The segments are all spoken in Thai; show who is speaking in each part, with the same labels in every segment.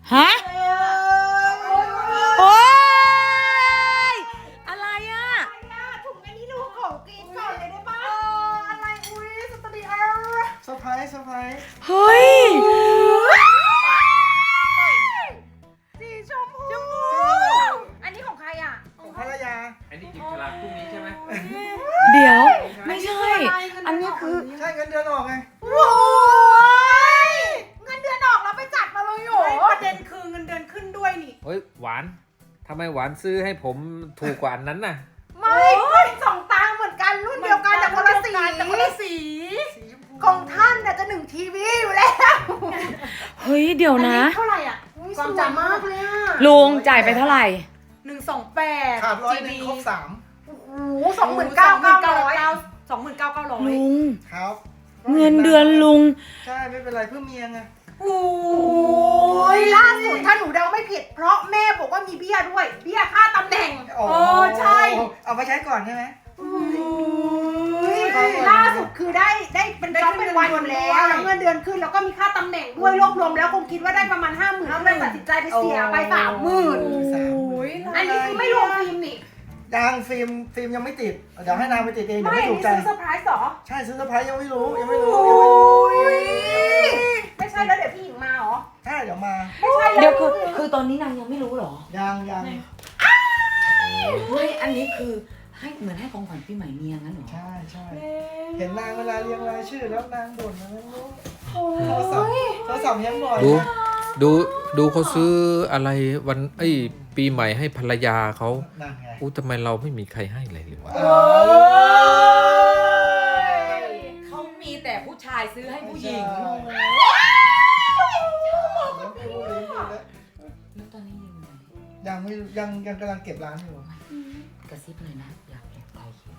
Speaker 1: ฮะโอ๊ยอะไรอ่ะ
Speaker 2: ถุงอันนี้ดูของกินก่อนเลยได้ปะอะไรอุ้ยสตูดิโอเซอร์ไพรส์
Speaker 1: เฮ้ย
Speaker 2: สีชมพูอันนี้ของใครอ่ะ
Speaker 3: ของภรรยา
Speaker 4: อันนี้จิบฉลากพรุ่งนี้ใช่ไหม
Speaker 1: เดี๋ยวไม่ใช่ อันนี้คือ
Speaker 3: ใช่เงินเดือนออกไง
Speaker 2: โอ้ยเงินเดือนออกแล้วไปจัดมาเลยโหประเด็นคือเงินเดือนขึ้นด้วยนี่
Speaker 4: เฮ้ยหวานทำไมหวานซื้อให้ผมถูกกว่าอันนั้นน่ะ
Speaker 2: ไม่สองตังเหมือนกันรุ่นเดียวกันแต่คนละสีของท่านจะ1 ทีวีอยู่แล้ว
Speaker 1: เฮ้ยเดี๋ยวนะ
Speaker 2: เท่าไหร่อ่ะความจำมากเลยอ่ะ
Speaker 1: ลุงจ่ายไปเท่าไหร่
Speaker 2: 128
Speaker 3: ขาด100ครบ3
Speaker 2: โอ้โห29,900
Speaker 1: ลุง
Speaker 3: ครับ
Speaker 1: เงินเดือนลุง
Speaker 3: ใช่ไม่เป็นไรเพื่อเมียไง
Speaker 2: โอ้ยล่าสุดถ้าหนูเดาไม่ผิดเพราะแม่บอกว่ามีเบี้ยด้วยเบี้ยค่าตำแหน่งใช่
Speaker 3: เอาไปใช้ก่อนใช่ไหม
Speaker 2: ล่าสุดคือได้เป็นจ็อบเป็นวันอยู่แล้วเงินเดือนขึ้นแล้วก็มีค่าตำแหน่งด้วยรวบรวมแล้วคงคิดว่าได้ประมาณ 50,000ก็เลยตัดสินใจไปเสียไป30,000อันนี้คือไม่รวมฟิล์มนี่
Speaker 3: ยังฟิล์มยังไม่ติดเดี๋ยวให้นางไปติดเองเดี๋ยว
Speaker 2: ไม่
Speaker 3: ไม่ถู
Speaker 2: นี่
Speaker 3: กใจ
Speaker 2: ซื้อเซอร์ไพรส์เหรอ
Speaker 3: ใช่ซื้อเซอร์ไพรส์ยังไม่รู้
Speaker 2: ไม่ใช่แล้วเดี๋ยวพี่หญิงมาเหรอ
Speaker 3: ใช่เดี๋ยวมา
Speaker 2: ไม่ใช่
Speaker 1: เดี๋ยวคือตอนนี้นางยังไม่รู้เหรอ
Speaker 3: ยัง
Speaker 1: ไม่อันนี้คือให้เหมือนให้ของขวัญปีใหม่เมียงั้นเหรอ
Speaker 3: ใช่เห็นนางเวลาเรียงรายชื่อแล้วนางบ่นนะไม่รู้โทรศัพท์ยังบ่อย
Speaker 4: ดูเขาซื้ออะไรวันปีใหม่ให้ภรรยาเขา
Speaker 3: นั่นไง
Speaker 4: อู้ทำไมเราไม่มีใครให้เลยหรือวะ
Speaker 1: เขามีแต่ผู้ชายซื้อให้ผู้หญิงแล้วตอนนี้ยังไง
Speaker 3: ยังไม่ยังกำลังเก็บร้านอยู่
Speaker 1: กระซิบเลยนะอยากเก็บไว้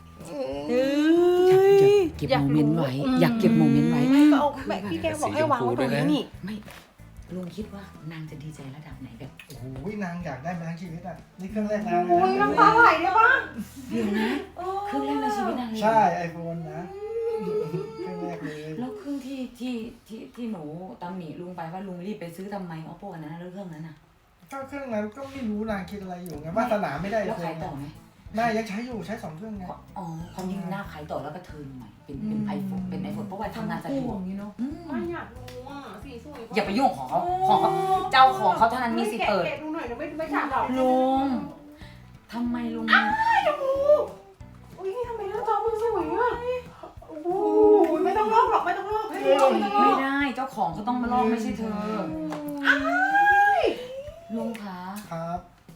Speaker 1: อยากเก็บโมเมนต์ไว้อยากเก็บโมเมนต์ไว้
Speaker 2: ก็เอาแบบพี่แกบอกให้วางไว้ตรงนี้นี่
Speaker 1: ไม่ลุงคิดว่านางจะดีใจระดับไหนแบบ
Speaker 3: โอ้โหนางอยากได้มาทั้งชีวิตอ่ะนี่เครื่องแรกนาง
Speaker 2: โอ้ยน้ำตาไหลเลยปะ
Speaker 1: เดี๋ยวนะเครื่องแรกในชีวิตนางเลย
Speaker 3: ใช่ไอโฟนนะเครื่องแรกเลย
Speaker 1: แล้วเครื่องที่หนูตำหนิลุงไปว่าลุงรีบไปซื้อทำไมเอาพวกอันนั้นแล้วเครื่องนั้นน่ะ
Speaker 3: ก็เครื่องนั้นก็ไม่รู้นางคิดอะไรอยู่ไงวาสนาไม่ได้
Speaker 1: แล้วขายต่อไหม
Speaker 3: นายยังใช้อยู่ใช้2 เครื่องไง
Speaker 1: อ๋อความจริงหน้าขายต่อแล้วก็เทิร์นใหม่เป็นไอโฟนเพราะว่าทำงานสะดวก
Speaker 2: ไม่อยากรู้อ่ะสีสวย
Speaker 1: อย่าไปยุ่งของเขาเจ้าของเขาเท่านั้นมีสิทธิ์เปิด
Speaker 2: แกะดูหน่อยนะไม่ฉาบหรอก
Speaker 1: ลุงทำไมลุง
Speaker 2: อุ้ยทำไมหน้าจอมึงสวยอ่ะโอ้โหไม่ต้องลอกหรอกไม่ต้องลอกไม่ต้องลอก
Speaker 1: ไม่ได้เจ้าของเขาต้องมาลอกไม่ใช่เธอลุงคะ
Speaker 3: ครับ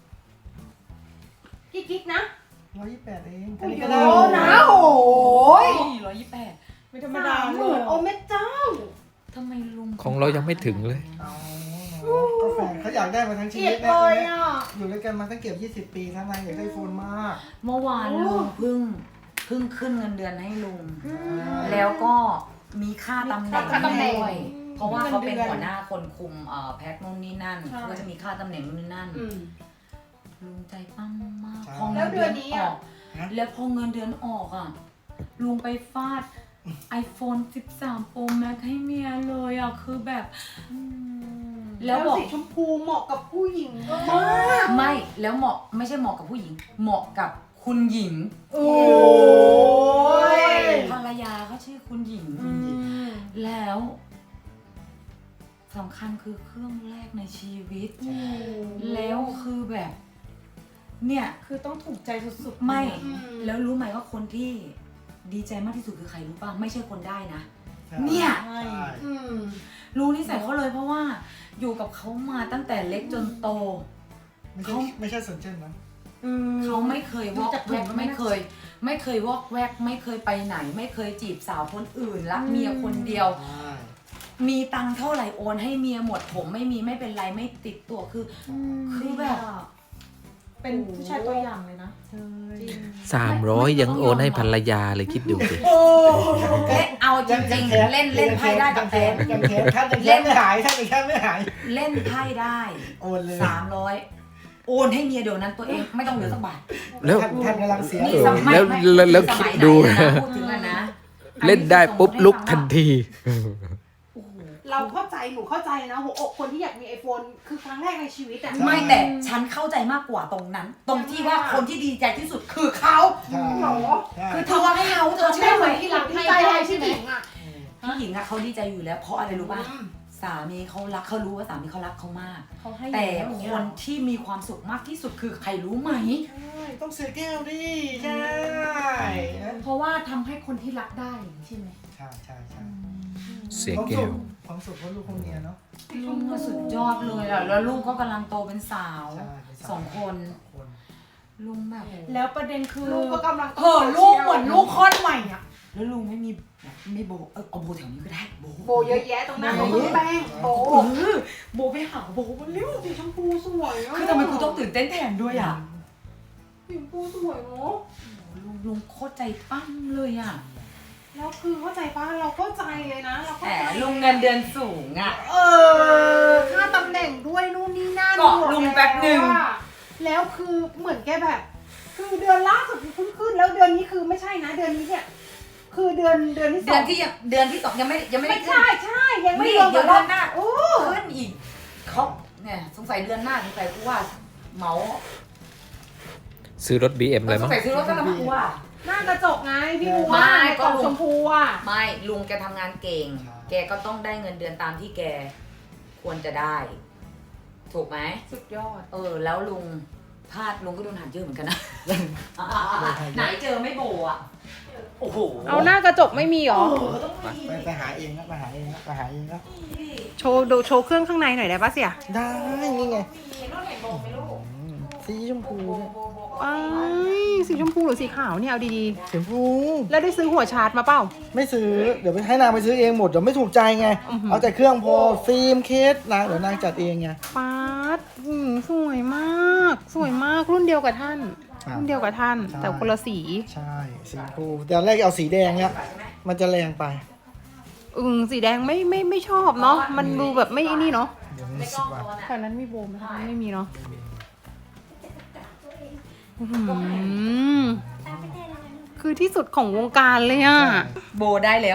Speaker 2: กิ๊กนะ
Speaker 3: 128เอง
Speaker 2: โอ้โหนะโอ้ย
Speaker 1: 128
Speaker 2: ไม่ธรรมดาเลยโอ้แม่เจ้า
Speaker 1: ทำไมลุง
Speaker 4: ของเรายังไม่ถึงเลย
Speaker 3: เอาก็แฟนเขาอยากได้มาทั้งชี
Speaker 2: เกลีย
Speaker 3: วิ
Speaker 2: ด
Speaker 3: ต
Speaker 2: เล
Speaker 3: นะ
Speaker 2: ยอ่ะ
Speaker 3: อยู่ด้วยกันมาตั้งเกือบ20 ปีทั้งนางอยากได้โฟนมาก
Speaker 1: เมื่อวานลุงเพิ่งขึ้นเงินเดือนให้ลุงแล้วก็มีค่าตำแหน่งด้วยเพราะว่าเขาเป็นหัวหน้าคนคุมแพ็คนู่นนี่นั่นเขาก็จะมีค่าตำแหน่งนู่นนี่นั่นลุงใจปั้มมากพอเงินเดือนออกแล้วพอเงินเดือนออกอ่ะลุงไปฟาด iPhone 13 Pro Max ให้เมียเลยอ่ะคือแบบแล้วบอก
Speaker 2: สีชมพูเหมาะกับผู้หญิงมาก
Speaker 1: ไม่แล้วเหมาะไม่ใช่เหมาะกับผู้หญิง เหมาะกับคุณหญิง
Speaker 2: โอ้ย
Speaker 1: ภรรยาเขาชื่อคุณหญิง แล้วสำคัญคือเครื่องแรกในชีวิต แล้วคือแบบ เนี่ย
Speaker 2: คือต้องถูกใจสุดๆ
Speaker 1: ไม่ แล้วรู้ไหมว่าคนที่ดีใจมากที่สุดคือใครรู้ป่ะ ไม่ใช่คนได้นะ เนี่ย
Speaker 3: ใช่
Speaker 1: รู้นิสัยเขาเลยเพราะว่าอยู่กับเขามาตั้งแต่เล็กจนโต
Speaker 3: ไม่ใช่สนเจนนะ
Speaker 1: เขาไม่เคยวอกแวกไม่เคยวอกแวกไม่เคยไปไหน ไม่เคยจีบสาวคนอื่นรักเมียคนเดียว มีตังค์เท่าไหร่โอนให้เมียหมดผมไม่มีไม่เป็นไรไม่ติดตัวคือแบบ
Speaker 2: เป็นผู้ชายตัวอย่างเลยนะ
Speaker 4: 300ยังโอนให้ภรรยาเลยคิดดูสิ
Speaker 1: เอาจริงๆเล่นไพ่ได้กับแฟน
Speaker 3: ยังแค้นท่านยังแค้นไม่หายท่านยังแค้นไม่หาย
Speaker 1: เล่นไพ่ได้
Speaker 3: โอนเลย
Speaker 1: 300โอนให้เมียเดี๋ยวนั้นตัวเองไม่ต้องเหลือสักบาท
Speaker 4: แล้ว
Speaker 3: ท่านกำลังเสีย
Speaker 1: นี่
Speaker 3: อยู่
Speaker 1: สมัย
Speaker 4: แล้วคิดดู
Speaker 1: สมัยไหนนะพูดถึงอะนะ
Speaker 4: เล่นได้ปุ๊บลุกทันที
Speaker 2: เราเข้าใจหนูเข้าใจนะหัวอกคนที่อยากมี iPhone คือครั้งแรกในชีวิตอะ
Speaker 1: ไม่แต่ฉันเข้าใจมากกว่าตรงนั้น ตรงที่ว่าคนที่ดีใจที่สุดคือเขา
Speaker 3: ใช่
Speaker 2: หรอ
Speaker 3: ใช่
Speaker 1: คือเธอว่าให้เขาเธอ
Speaker 2: ใช่
Speaker 1: เชื่อ
Speaker 2: เห
Speaker 1: ไหม
Speaker 2: มือนที่หลังที่ใจให้ที่หญิงอะ
Speaker 1: พี่หญิงอะเขาดีใจอยู่แล้วเพราะอะไรรู้ป่ะสามีเขารักเขารู้ว่าสามีเขารักเขามาก
Speaker 5: เขาให้
Speaker 1: แต่
Speaker 5: อย่างเงี้ย
Speaker 1: คนที่มีความสุขมากที่สุดคือใครรู้ไหม
Speaker 3: ใช่ต้องเสียแก้วดิใช่
Speaker 5: เพราะว่าทำให้คนที่รักได้ใช่ไหม
Speaker 3: ใช่ใช่ใช่
Speaker 4: เสียแก้ว
Speaker 3: ความสุขเพราะลูกคนเมียเนาะ
Speaker 1: ลุงก็สุดยอดเลยอะแล้วลูกก็กำลังโตเป็นสาว
Speaker 3: ใช่เป็นสาว
Speaker 1: 2 คน
Speaker 3: คน
Speaker 1: ลุงแบบ
Speaker 5: แล้วประเด็นคือ
Speaker 2: ลูกก็กำลัง
Speaker 5: ลูกเหมือนลูกคลอดใหม่อ่ะ
Speaker 1: แล้วลุงไม่มีแบบไม่โบเอาโบแถวนี้ก็ได้โบ
Speaker 2: โบเยอะแยะตรงนั้นตรงแป้งโบ
Speaker 1: โบไปหาโบมันเร็ว
Speaker 2: สีชมพูสวยอะ
Speaker 1: คือทำไมกูต้องตื่นเต้นแทนด้วยอะ
Speaker 2: สีชมพูสวยเนาะ
Speaker 1: ลุงโคตรใจปั้มเลยอะ
Speaker 2: แล้วคือเข้าใจป่ะเราเข้าใจเลยนะเราเข้า
Speaker 1: แต่
Speaker 2: ใจ
Speaker 1: ลุงเงินเดือนสูงอะ
Speaker 2: ค่าตำแหน่งด้วยนู่นนี่นั่น
Speaker 1: เกาะลุงแป๊บหนึ่ง
Speaker 2: แล้วคือเหมือนแกแบบ คือเดือนล่าสุดเพิ่งขึ้นแล้วเดือนนี้คือไม่ใช่นะเดือนนี้เนี่ยคือเดือนที่ส
Speaker 1: เดื
Speaker 2: อ
Speaker 1: อง นที่เดือนที่สองยังไม่ได้
Speaker 2: ไม่
Speaker 1: ขึ้น
Speaker 2: ใช่ยังไม่
Speaker 1: ไม่
Speaker 2: รวม
Speaker 1: เดี๋ยว
Speaker 2: กั
Speaker 1: เดื
Speaker 2: บ
Speaker 1: อนหน้า
Speaker 2: โอ้
Speaker 1: ขึ้นอีกเขาเนี่ยสงสัยเดือนหน้าสงสัยกูว่าเหมา
Speaker 4: ซื้อรถ BM เลย
Speaker 1: ส
Speaker 4: มั้
Speaker 1: ง
Speaker 4: ง
Speaker 1: สัยซื้อรถกันแล้วมั้งกูว่า
Speaker 2: หน้ากระจกไงพี่บัว
Speaker 1: ไม่ก็
Speaker 2: กล่อง
Speaker 1: ลุง
Speaker 2: ชมพูอ่ะ
Speaker 1: ไม่ลุงแกทำงานเก่ง แกก็ต้องได้เงินเดือนตามที่แกควรจะได้ ถูกไหม
Speaker 2: สุดยอด
Speaker 1: แล้วลุงพลาดลุงก็โดนหันเยอะเหมือนกันนะ ไหนเจอไม่โบอ่ะ โอ้โห
Speaker 2: เอาหน้ากระจกไม่มีหรอ
Speaker 3: ไปหาเองครับไปหาเองครับไปหาเองครับ
Speaker 2: โชว์เครื่องข้างในหน่อยได้ปะเสี่ย
Speaker 3: ได้นี่ไงสีชมพูเนี่ย
Speaker 2: อ้ายสีชมพูหรือสีขาวเนี่ยเอาดี
Speaker 3: สีชมพู
Speaker 2: ๆแล้วได้ซื้อหัวชาร์จมาเปล่า
Speaker 3: ไม่ซื้อเดี๋ยวไปให้นางไปซื้อเองหมดเดี๋ยวไม่ถูกใจไง
Speaker 2: อื้อหือ
Speaker 3: เอาแต่เครื่องพอฟิล์มเคสนางเดี๋ยวนางจัดเองไง
Speaker 2: ป๊าดสวยมาก สวยมากรุ่นเดียวกับท่าน รุ่นเดียวกับท่าน แต่คนละสี
Speaker 3: ใช่สีชมพูแต่แรกเอาสีแดงเนี่ยมันจะแรงไป
Speaker 2: สีแดงไม่ชอบเนาะมันดูแบบไม่นี่เนาะ
Speaker 3: เดี๋ยวมันสิบวัน
Speaker 2: แถวนั้นมีโบมไหมคะไม่มีเนาะอื้อหือคือที่สุดของวงการเลยอ่ะ
Speaker 1: โบได้แล้ว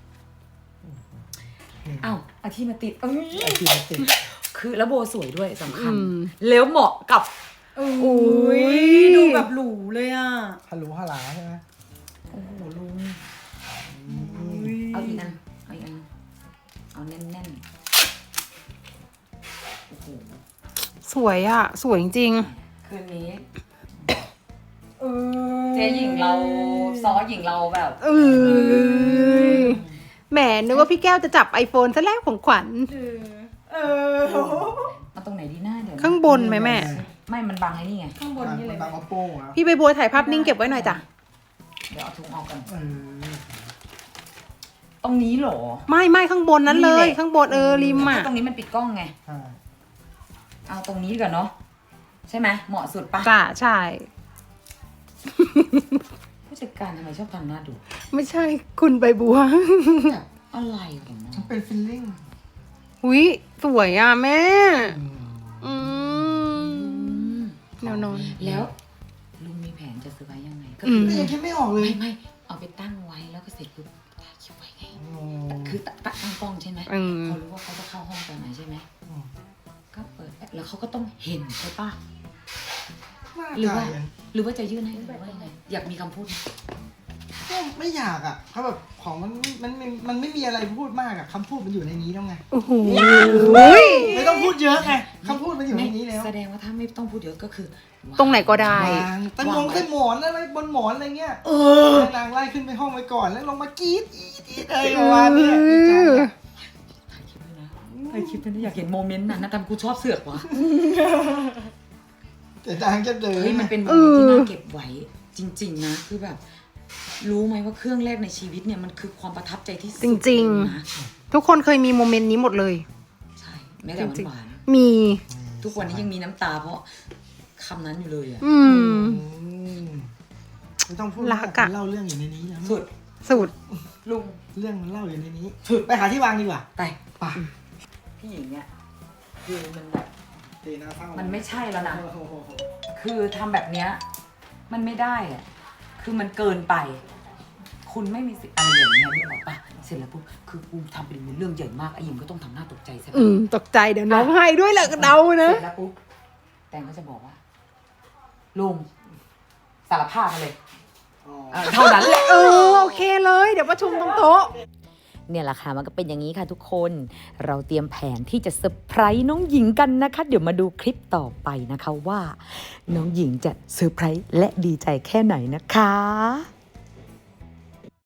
Speaker 1: เอ้าอาที่มาติดเอ้ย
Speaker 3: ไอทีมันติด
Speaker 1: คือแล้วโบสวยด้วยสำคัญ
Speaker 2: อืม
Speaker 1: แล้วเหมาะกับ
Speaker 5: อุ้ยดูแบบหรูเลยอ่ะ
Speaker 3: ฮัลโหลฮัลหลาใช่ไหม
Speaker 1: โอ้โหลุง เอาอีกอันเอาอีกอันเอาแน่นๆโอ้โห
Speaker 2: สวยอ่ะ สวยจริง
Speaker 1: คืนนี้เจ๊หญิงเราซ้อหญิงเราแบบ
Speaker 2: ๆแหมนึกว่าพี่แก้วจะจับ iPhone ซะแล้วของขวัญ
Speaker 1: เอาตรงไหนดีหน้าเดี๋ยวนะ
Speaker 2: ข้างบนไหมแม่
Speaker 1: ไม่มันบังไอ้นี่ไง
Speaker 5: ข้างบนนี่เลย
Speaker 3: บางเอาโป้งอ่ะ
Speaker 2: พี่ใบบัวถ่ายภาพนิ่งเก็บไว้หน่อยจ้ะ
Speaker 1: เดี๋ยวเอาถุงออกกัน
Speaker 3: เออ
Speaker 1: ตรงนี้เหรอ
Speaker 2: ไม่ข้างบนนั้นเลย
Speaker 1: นี่แหละ
Speaker 2: ข้างบนริมอ่ะ
Speaker 1: ตรงนี้มันปิดกล้องไง
Speaker 3: ใช่
Speaker 1: เอาตรงนี้ก่อนเนาะใช่ไหมเหมาะสุดปะ
Speaker 2: จ้ะใช่
Speaker 1: ผู้จัดการทำไมชอบทำหน้าดุ
Speaker 2: ไม่ใช่คุณใบบัว
Speaker 1: แบบอะไรของมัน
Speaker 3: มันเป็นฟิลลิ่ง
Speaker 2: อุ้ยสวยอ่ะแม่ อืมแนวนอน
Speaker 1: แล้วลุงมีแผนจะซื้อไว้ยังไงก็
Speaker 2: อื
Speaker 1: คือ
Speaker 2: ม
Speaker 3: ยังคิดไม่ออกเลย
Speaker 1: ไม่เอาไปตั้งไว้แล้วก็เสร็จปุ๊บถ่ายคลิปไว้ไงคือตั้งกล้องใช่ไหม
Speaker 2: อืม
Speaker 1: เขารู้ว่าเขาจะเข้าห้องตอนไหนใช่ไหมก็เปิดแล้วเขาก็ต้องเห็นใช่ปะหรือว่าจะยื่นให้หรือว่ายังไงอยากมีคำพูดไหม
Speaker 3: ก็ไม่อยากอ่ะเขาแบบของมันไม่มีอะไรพูดมากอ่ะคำพูดมันอยู่ในนี้แล้วไง
Speaker 2: โอ้โห
Speaker 3: ไม่ต้องพูดเยอะไงคำพูดมันอยู่ในนี้แล้ว
Speaker 1: แสดงว่าถ้าไม่ต้องพูดเยอะก็คือ
Speaker 2: ตรงไหนก็ได้
Speaker 3: วางตั้งงงใต้หมอนอะไรบนหมอนอะไรเงี้ยให้นางไล่ขึ้นไปห้องไว้ก่อนแล้วลงมากรีดอีดอะไรประมาณเนี้ยดีใจอะ
Speaker 1: ถ่ายคลิปด้วยนะถ่ายคลิปด้วยนะอยากเห็นโมเมนต์นั้นนะแต่กูชอบเสือกว่ะ
Speaker 3: แต่นางจะเดิน
Speaker 1: เฮ้ยมันเป็นโมเมนต์ที่น่าเก็บไว้จริง ๆ นะคือแบบ รู้ไหมว่าเครื่องแรกในชีวิตเนี่ยมันคือความประทับใจที่สุด
Speaker 2: จริง
Speaker 1: เลยนะ
Speaker 2: ทุกคนเคยมีโมเมนต์นี้หมดเลย
Speaker 1: ใช่แม้แต่
Speaker 2: จริง
Speaker 1: หวาน
Speaker 2: มี
Speaker 1: ๆทุกวันนี้ยังมีน้ำตาเพราะคำนั้นอยู่เลยอ่ะ
Speaker 2: อืม
Speaker 3: ไม่ต้องพูด
Speaker 2: รักอะ
Speaker 3: เล่าเรื่องอยู่ในนี้แล้ว
Speaker 1: สุด
Speaker 2: สุด
Speaker 1: ลุง
Speaker 3: เรื่องมันเล่าอยู่ในนี้ไปหาที่วางดีกว่า
Speaker 1: ไป
Speaker 3: ไป
Speaker 1: พี่หญิงเนี่ยคือมันแบบ
Speaker 3: ตีหน้าเศร้า
Speaker 1: มันไม่ใช่แล้วนะ
Speaker 3: โอ้โห
Speaker 1: คือทำแบบเนี้ยมันไม่ได้อะคือมันเกินไปคุณไม่มีสิทธิ์อะไรอย่างเงี้ยนึกออกปะเสร็จแล้วปุ๊บคือกูทำเป็นเรื่องใหญ่มากไอ้หญิงก็ต้องทำหน้าตกใจใช่ปะ
Speaker 2: ตกใจเดี๋ยวน้องให้ด้วยแหละเดานะ
Speaker 1: เสร็จแล้วปุ๊บแตงก็จะบอกว่าลุงสารภาพมาเลยเท่านั้นแหละ
Speaker 2: โอเคเลยเดี๋ยวประชุมตรงโต๊ะ
Speaker 1: เนี่ยแหละค่ะมันก็เป็นอย่างนี้ค่ะทุกคนเราเตรียมแผนที่จะเซอร์ไพรส์น้องหญิงกันนะคะเดี๋ยวมาดูคลิปต่อไปนะคะว่าน้องหญิงจะเซอร์ไพรส์และดีใจแค่ไหนนะคะ